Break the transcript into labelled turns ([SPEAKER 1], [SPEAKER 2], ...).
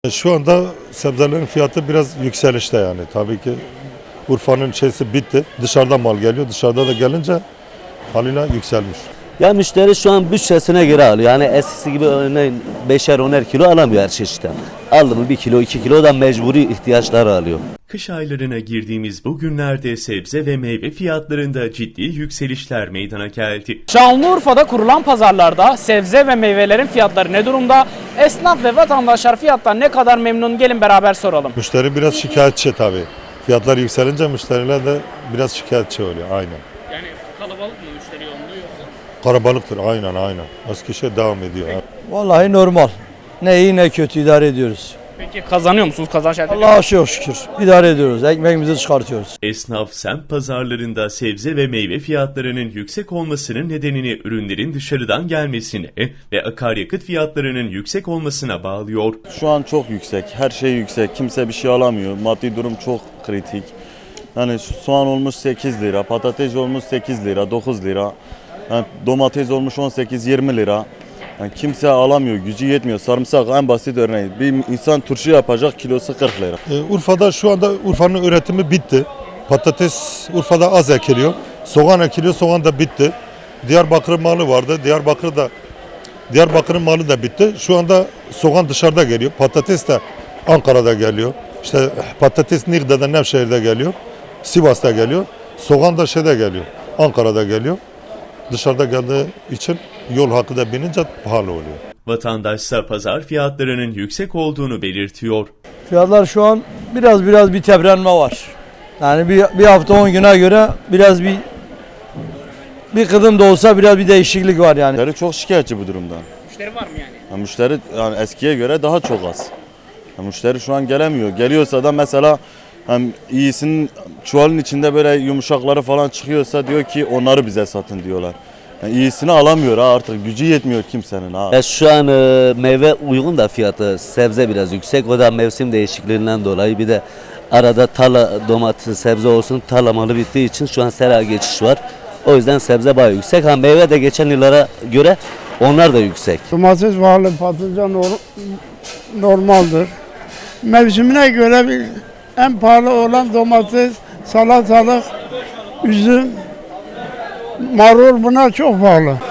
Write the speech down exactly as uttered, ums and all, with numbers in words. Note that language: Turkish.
[SPEAKER 1] Şu anda sebzelerin fiyatı biraz yükselişte yani. Tabii ki Urfa'nın şeysi bitti. Dışarıdan mal geliyor. Dışarıda da gelince haliyle yükselmiş.
[SPEAKER 2] Ya müşteri şu an bütçesine göre alıyor. Yani eskisi gibi örneğin beşer oner kilo alamıyor her çeşitten. Aldı mı bir kilo iki kilo da mecburi ihtiyaçları alıyor.
[SPEAKER 3] Kış aylarına girdiğimiz bu günlerde sebze ve meyve fiyatlarında ciddi yükselişler meydana geldi.
[SPEAKER 4] Şanlıurfa'da kurulan pazarlarda sebze ve meyvelerin fiyatları ne durumda? Esnaf ve vatandaşlar fiyattan ne kadar memnun? Gelin beraber soralım.
[SPEAKER 1] Müşteri biraz şikayetçi tabii. Fiyatlar yükselince müşteriler de biraz şikayetçi oluyor aynen.
[SPEAKER 4] Yani kalabalık mı müşteri yoğunluğu yoksa?
[SPEAKER 1] Kalabalıktır aynen aynen. Eski şey devam ediyor.
[SPEAKER 5] Vallahi normal. Ne iyi ne kötü idare ediyoruz.
[SPEAKER 4] Peki kazanıyor musunuz? Kazanç elde ediyor musunuz?
[SPEAKER 5] Allah'a çok şükür. İdare ediyoruz. Ekmeğimizi çıkartıyoruz.
[SPEAKER 3] Esnaf semt pazarlarında sebze ve meyve fiyatlarının yüksek olmasının nedenini ürünlerin dışarıdan gelmesine ve akaryakıt fiyatlarının yüksek olmasına bağlıyor.
[SPEAKER 6] Şu an çok yüksek, her şey yüksek, kimse bir şey alamıyor, maddi durum çok kritik. Yani şu soğan olmuş sekiz lira, patates olmuş sekiz lira, dokuz lira, yani domates olmuş on sekiz yirmi lira. Yani kimse alamıyor, gücü yetmiyor. Sarımsak en basit örneği. Bir insan turşu yapacak, kilosu kırk lira.
[SPEAKER 1] Ee, Urfa'da şu anda Urfa'nın üretimi bitti. Patates Urfa'da az ekiliyor. Soğan ekiliyor, soğan da bitti. Diyarbakır malı vardı. Diyarbakır da Diyarbakır'ın malı da bitti. Şu anda soğan dışarıda geliyor. Patates de Ankara'da geliyor. İşte patates Niğde'de, Nevşehir'de geliyor. Sivas'ta geliyor. Soğan da şeyde geliyor. Ankara'da geliyor. Dışarıda geldiği için yol hakkı da binince pahalı oluyor.
[SPEAKER 3] Vatandaşsa pazar fiyatlarının yüksek olduğunu belirtiyor.
[SPEAKER 5] Fiyatlar şu an biraz biraz bir teprenme var. Yani bir, bir hafta on güne göre biraz bir bir kıdım da olsa biraz bir değişiklik var yani.
[SPEAKER 6] Müşteri çok şikayetçi bu durumdan.
[SPEAKER 4] Müşteri var mı yani?
[SPEAKER 6] Yani müşteri yani eskiye göre daha çok az. Yani müşteri şu an gelemiyor. Geliyorsa da mesela hem iyisinin çuvalın içinde böyle yumuşakları falan çıkıyorsa diyor ki onları bize satın diyorlar. Yani iyisini alamıyor ha, artık gücü yetmiyor kimsenin ha.
[SPEAKER 2] Ya şu an e, meyve uygun da fiyatı, sebze biraz yüksek. O da mevsim değişikliğinden dolayı. Bir de arada tarla domates, sebze olsun tarla malı bittiği için şu an sera geçiş var. O yüzden sebze bayağı yüksek. Ha meyve de geçen yıllara göre onlar da yüksek.
[SPEAKER 7] Domates pahalı, patlıcan nor- normaldir. Mevsimine göre bir, en pahalı olan domates, salatalık, üzüm, marul bunlar çok pahalı.